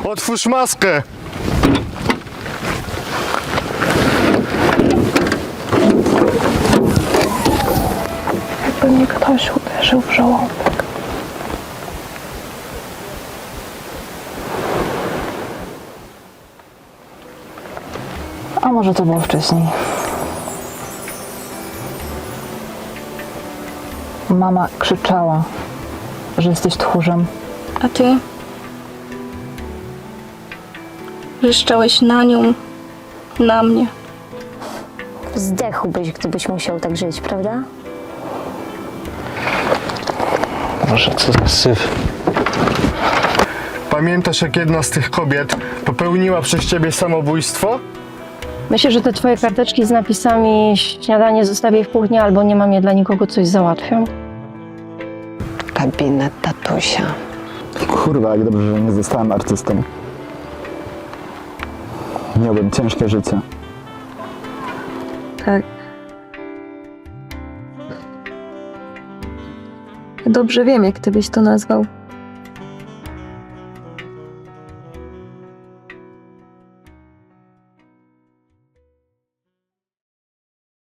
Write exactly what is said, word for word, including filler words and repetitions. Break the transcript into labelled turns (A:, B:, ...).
A: Otwórz maskę!
B: Jakby mnie ktoś uderzył w żołądek. A może to było wcześniej? Mama krzyczała, że jesteś tchórzem.
C: A ty? Wrzeszczałeś na nią, na mnie.
D: Zdechłbyś, gdybyś musiał tak żyć, prawda?
E: Boże, co za syf.
A: Pamiętasz, jak jedna z tych kobiet popełniła przez ciebie samobójstwo?
F: Myślę, że te twoje karteczki z napisami śniadanie zostawię w kuchni albo nie mam je dla nikogo, coś załatwią.
G: Gabinet tatusia.
H: Kurwa, jak dobrze, że nie zostałem artystą. Miałbym ciężkie życie.
B: Tak. Dobrze wiem, jak ty byś to nazwał.